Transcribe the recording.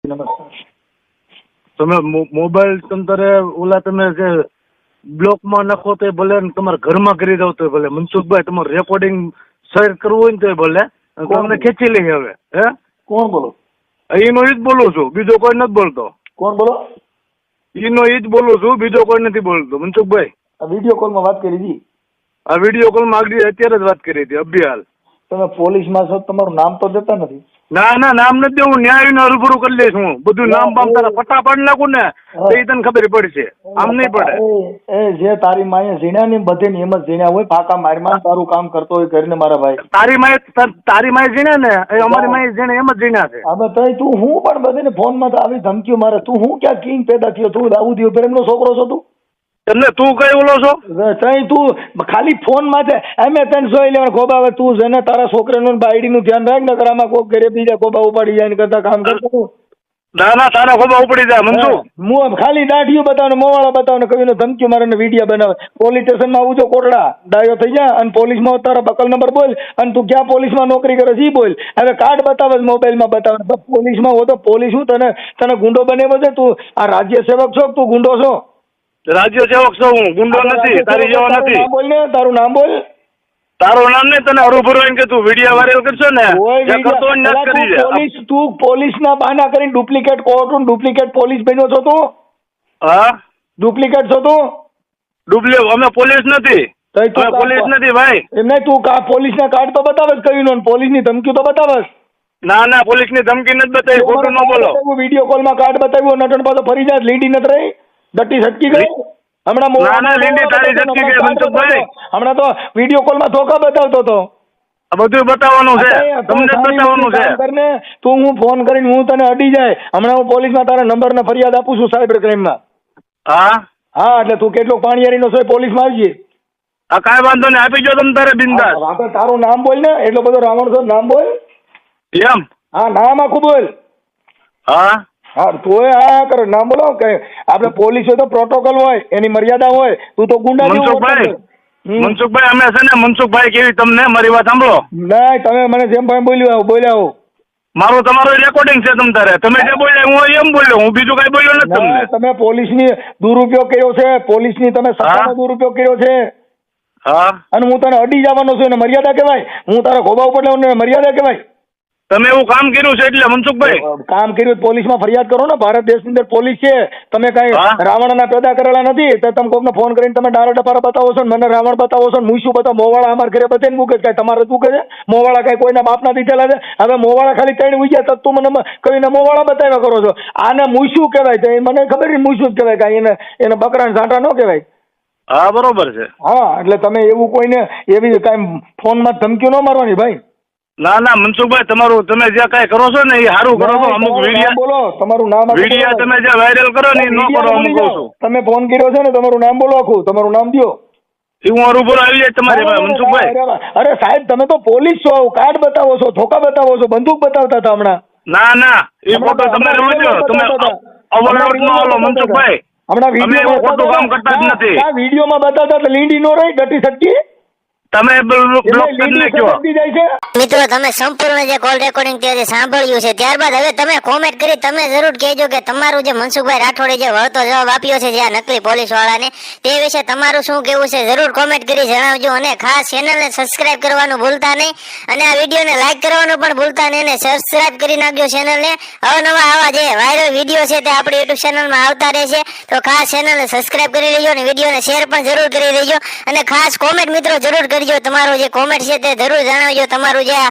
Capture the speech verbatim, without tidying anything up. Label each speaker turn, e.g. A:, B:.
A: નમસ્કાર.
B: તમે મોબાઈલ તમતારે ઓલા તમે જે બ્લોકમાં નાખો તો ભલે ને તમારા ઘરમાં કરી દો તો ભલે. મનસુખભાઈ તમારું રેકોર્ડિંગ શેર કરવું હોય ને તો ભલે તમને ખેંચી લઈએ હવે. હે
A: કોણ બોલો?
B: એનો ઈ જ બોલું છું, બીજો કોઈ નથી બોલતો.
A: કોણ બોલો?
B: એનો ઈ જ બોલું છું, બીજો કોઈ નથી બોલતો. મનસુખભાઈ
A: આ વિડીયો કોલમાં વાત કરી હતી.
B: આ વિડીયો કોલમાં આગળ અત્યારે જ વાત કરી હતી અભિહાલ.
A: તમે પોલીસમાં છો, તમારું નામ તો દેતા નથી.
B: ના ના નામ નથી દેવું, ન્યાય ને રૂબરૂ કરી લઈશ હું. બધું નામ બામ તારા પટ્ટા પાડી નાખું ને તો એ તને ખબર પડશે, આમ નહીં પડે.
A: એ જે તારી માએ ઝીણ્યા ને બધે નિયમ જ ઝીણ્યા હોય, ફાકા મારમાં તારું કામ કરતો હોય કરીને મારા ભાઈ.
B: તારી માએ તારી માએ ઝીણ્યા ને એ અમારી માએ ઝીણે એમ જ ઝીણ્યા છે.
A: હવે તઈ તું હું પણ બધે ફોનમાં તો આવી ધમકીઓ મારે. તું હું ક્યાં કિંગ પેદા થયો? તું દાઉદ પ્રેમનો છોકરો છો તું?
B: એટલે તું કઈ ઓલો છો?
A: તઈ તું ખાલી ફોન માં છે એમ તને જોઈ લેવાનું ખોબા. હવે તું છે ને તારા છોકરાનું બાયડી નું ધ્યાન રાખ ને આમાં કોક ઘરે બીજા ખોબા ઉપાડી જાય કરતા કામ કરતો.
B: ના ના તારા ખોબા ઉપડી જાય મનસુખ.
A: હું ખાલી દાઢીઓ બતાવે, મોવાળા બતાવે, કવિનો ધમકીઓ મારે ને વિડીયો બનાવે. પોલીસ સ્ટેશનમાં આવું જો કોટડા ડાયો થઈ જાય અને પોલીસમાં તારા બકલ નંબર બોલ અને તું ક્યાં પોલીસમાં નોકરી કરે છે એ બોલ. હવે કાર્ડ બતાવે મોબાઈલમાં બતાવે. પોલીસમાં હો તો પોલીસ હું તને તને ગુંડો બનાવ્યો છે? તું આ રાજ્ય સેવક છો, તું ગુંડો છો?
B: રાજ્ય સેવક છો હું, ગુંડો નથી, તારી જેવો નથી.
A: બોલ ને તારું નામ બોલ.
B: તારું નામ નહીં, તને હરુભરું એમ કે તું વિડીયો વાયરલ કરશો ને જે કરતો હોય ને કરી દે.
A: પોલીસ તું પોલીસના બહાના કરીને ડુપ્લિકેટ કોર્ટ ડુપ્લિકેટ પોલીસ બન્યો છો તું?
B: હા
A: ડુપ્લિકેટ છો તું?
B: ડુપ્લિકેટ અમે પોલીસ નથી, અમે પોલીસ નથી ભાઈ.
A: એમ નહીં, તું કા પોલીસના કાર્ડ તો બતાવે જ કયું ને પોલીસની ધમકી તો બતાવે.
B: ના ના પોલીસની ધમકી નથી બતાવી, ખોટું ન બોલો.
A: વિડીયો કોલમાં કાર્ડ બતાવ્યું, નટણ પાછો ફરી જાય, લીડી નથી રહી, ડટ્ટી છટકી ગઈ. હમણાં હમણાં તો વિડીયો કોલમાં ધોકા બતાવતો હતો.
B: બધું બતાવવાનું છે, તમને બતાવવાનું છે.
A: તું હું ફોન કરીને હું તને અડી જાય, હમણાં હું પોલીસમાં તારા નંબર ને ફરિયાદ આપું છું સાયબર ક્રાઇમમાં.
B: હા
A: હા એટલે તું કેટલો પાણીયારી નો છો પોલીસમાં આવજે.
B: હા કાંઈ વાંધો નહીં, આપી જો તમે તારે બિંદાસ.
A: આપણે તારું નામ બોલ ને, એટલો બધો રાવણ છો, નામ બોલ.
B: એમ?
A: હા નામ આખું બોલ.
B: હા
A: હા તોય હા કરે નામ બોલો. કે આપણે પોલીસ હોય તો પ્રોટોકોલ હોય, એની મર્યાદા હોય. તું તો ગુંડા.
B: મનસુખભાઈ મનસુખભાઈ અમે છે ને મનસુખભાઈ કેવી તમને મારી વાત સાંભળો.
A: ના તમે મને જેમ ભાઈ બોલ્યું બોલ્યા હો.
B: મારું તમારું રેકોર્ડિંગ છે તમ તારે, તમે જે બોલ્યા હું એમ બોલ્યો, હું બીજું કઈ બોલ્યો નથી તમને.
A: તમે પોલીસની દુરુપયોગ કર્યો છે, પોલીસની તમે સત્તાનો દુરુપયોગ કર્યો છે.
B: હા અને
A: હું તને અડી જવાનો છું, એને મર્યાદા કહેવાય? હું તારા ખોબા ઉપર લેવાનું મર્યાદા કહેવાય?
B: તમે એવું કામ કર્યું છે એટલે મનસુખભાઈ
A: કામ કર્યું પોલીસમાં ફરિયાદ કરો ને. ભારત દેશની અંદર પોલીસ છે, તમે કઈ રાવણના પેદા કરેલા નથી. તો તમે કોકને ફોન કરીને તમે ડારા ડપારા બતાવો છો, મને રાવણ બતાવો છો, હું શું બતાવો? મોવાળા અમારા ઘરે બધે મૂકે છે, તમારે શું કરે? મોવાળા કઈ કોઈના બાપના દીધેલા છે? હવે મોવાળા ખાલી ત્રણ ઉગ્યા તો તું મને કહીને મોવાળા બતાવ્યા કરો છો. આને મૂછું કહેવાય છે, મને ખબર નહીં મૂછું જ કહેવાય, કાંઈ એને એને બકરાને ઝાંટા ન કહેવાય.
B: હા બરોબર છે.
A: હા એટલે તમે એવું કોઈને એવી કાંઈ ફોનમાં ધમકીઓ ન મારવાની ભાઈ.
B: ના ના મનસુખભાઈ તમારું તમે જે કઈ કરો છો ને એ સારું કરો છો. અમુક વિડીયો
A: બોલો, તમારું નામ
B: વિડીયો તમે જે વાયરલ કરો ને એ ન કરો. અમુક કહું છું
A: તમે ફોન કર્યો છે ને, તમારું નામ બોલો આખું, તમારું નામ દો.
B: હું હરુભર આવી જાય તમારી પાસે મનસુખભાઈ.
A: અરે સાહેબ તમે તો પોલીસ છો, કાર્ડ બતાવો છો, ધોકા બતાવો છો, બંદૂક બતાવતા હતા હમણાં.
B: ના ના એ ફોટો તમે રોજો, તમે અવલંબન ન હાલો મનસુખભાઈ.
A: હમણાં વિડીયો
B: ખોટું કામ કરતા જ નથી.
A: આ વિડીયોમાં બતાવતા એટલે લીંડી નો રહી, ડટી સટકી.
B: તમે
C: મિત્રો તમે સંપૂર્ણ જે કોલ રેકોર્ડિંગ તે સાંભળ્યું છે, ત્યારબાદ હવે તમે કોમેન્ટ કરી તમે જરૂર કહેજો કે તમારું જે મનસુખભાઈ રાઠોડે જે વળતો જવાબ આપ્યો છે જે આ નકલી પોલીસ વાળાને, તે વિશે તમારું શું કેવું છે જરૂર કોમેન્ટ કરી જણાવજો. અને ખાસ ચેનલને સબસ્ક્રાઇબ કરવાનું ભૂલતા નહીં અને આ વિડીયોને લાઈક કરવાનું પણ ભૂલતા નહીં અને સબસ્ક્રાઇબ કરી નાખજો ચેનલને. અવનવા આવા જે વાયરલ વિડીયો છે તે આપણી યુટ્યુબ ચેનલમાં આવતા રહેશે, તો ખાસ ચેનલને સબસ્ક્રાઇબ કરી લેજો અને વિડીયોને શેર પણ જરૂર કરી દેજો. અને ખાસ કોમેન્ટ મિત્રો જરૂર કરજો, તમારું જે કોમેન્ટ છે તે જરૂર જણાવજો. તમારું જે